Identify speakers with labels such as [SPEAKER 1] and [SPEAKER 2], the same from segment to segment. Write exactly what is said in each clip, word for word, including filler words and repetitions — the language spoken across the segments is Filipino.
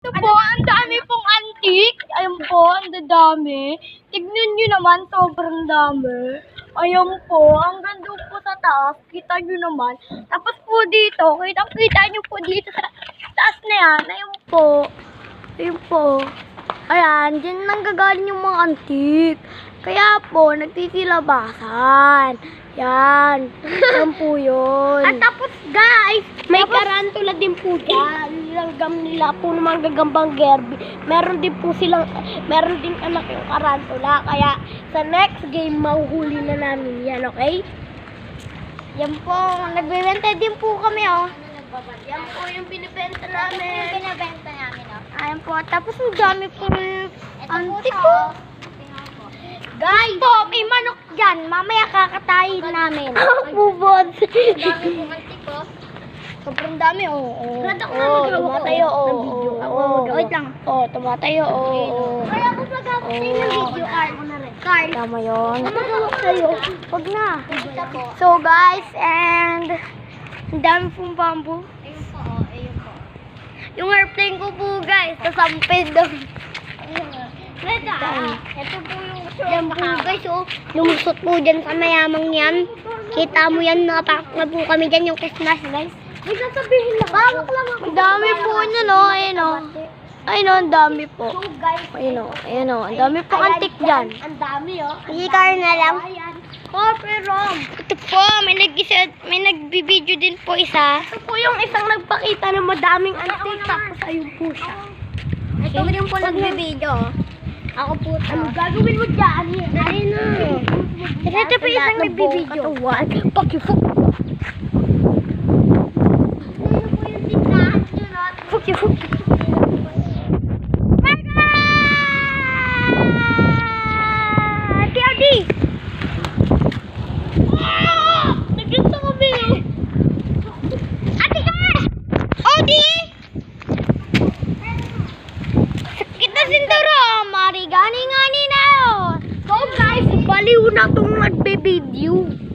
[SPEAKER 1] Ito po, ang dami pong antik. Ayun po, ang dami. Tignan nyo naman, sobrang dami. Ayun po, hanggang doon po sa taas. Kita nyo naman. Tapos po dito, kitang-kita nyo po dito sa taas na yan. Ayun po. Ayun po. Ayan, dyan nanggagaling yung mga antik. Kaya po, nagtitilabasan. Yan. Yan po yun. At tapos guys, may tapos, karantula din po dyan. Nilanggam nila po ng mga gagambang gerbi. Meron din po silang, meron din anak yung karantula. Kaya sa next game, mahuhuli na namin yan, okay? Yan po, nagbibenta din po kami, oh. Yan po yung binibenta namin. Yung binibenta namin, oh. Ayan po, tapos ang dami po antik po. Guys, po, may manok dyan. Mamaya kakatayin namin. Bubod. Ang dami po antik po. Sobrang dami, oo. Oh, oh, tumatayo, oo. Oh, wait lang. Oo, tumatayo, oo. Kaya ako magkakatay ng video, Carl. Carl. Tama yun. Magkakawak sa'yo. Huwag na. So, guys, and ang dami pong bamboo. Ayun po, oh. Ayun po. Yung airplane ko po, guys. Kasampid doon. Reda, ito po yung yan po guys, oh. Lumusot po dyan sa mayamang yan. Kita mo yan, nakapak na po kami dyan yung Christmas, guys. May sasabihin lang. Bawak lang ako. Ang dami po nyo, no? Ayun, oh. Ayun, oh, ang dami po. Ayun, oh. Ayun, oh. Ang dami po antik dyan. Ang dami, oh. Ikar na lang. Oh, pero ito po, may nag-isa, may nagbibideo din po isa. Ito po yung isang nagpakita ng madaming antik. Tapos ayun po siya. Ito rin po nagbibideo. Ako po. Ano gagawin mo dyan? Ayun na. Ito po isang nagbibideo. Pakifuk. Ayun po yung tindahan nyo, no? Pakifuk. Marga! T R D! Nagkita kami. Ate ka! Odi! Kita sindaro, marigani-ngani na yun. So guys, baliw na itong nagbe-video.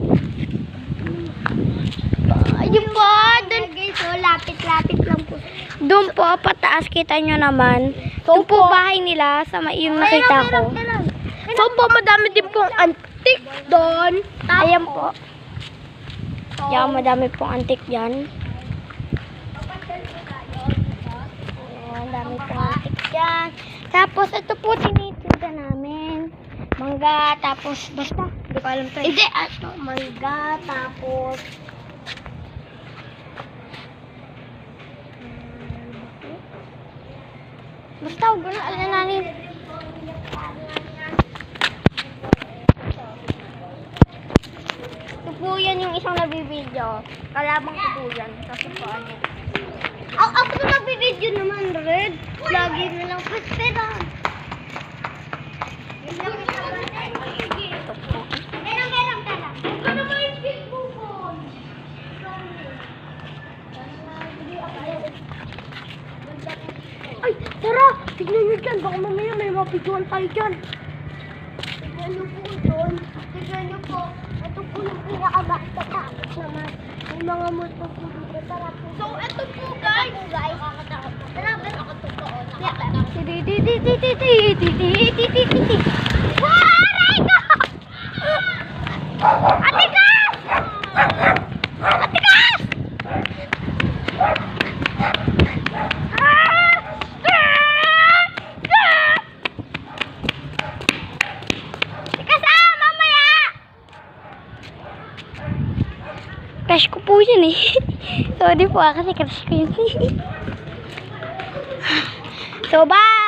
[SPEAKER 1] Ayun po, dun guys, so lapit-lapit lang po. Doon po, pataas, kita nyo naman. Doon po bahay nila, sa yung nakita ko. So po, madami din pong antik doon. Ayan po. Yan, madami pong antik dyan. Ayan, dami pong antik dyan. Tapos, ito po tinitinda namin. Mangga, tapos, basta, hindi ko alam to. Hindi, ato, mangga, tapos, basta, huwag na, alam namin. Ito po yan yung isang nabibideo. Kalabang ko po yan. Kasi po, ano. Ako, ako na nagbibideo naman, Red. Lagi na lang pwespera. Ito po. Meron, meron ka lang. Ito na ba yung Facebook ko? Ay, tara! Tignan nyo dyan. Baka mamaya may mapiguan tayo dyan. Tignan nyo po doon. Tignan nyo po. Ito po yung pinakamakatapos naman. May mga multo po dito. Tara po. So, ito po guys. Guys. Tara, pero ako totoo. Titi-titi-titi-titi-titi-titi-titi. Waray ka! Atikas! Atikas! Crush ko po yun eh. Sorry po ah, kasi crush ko yun. So, bye!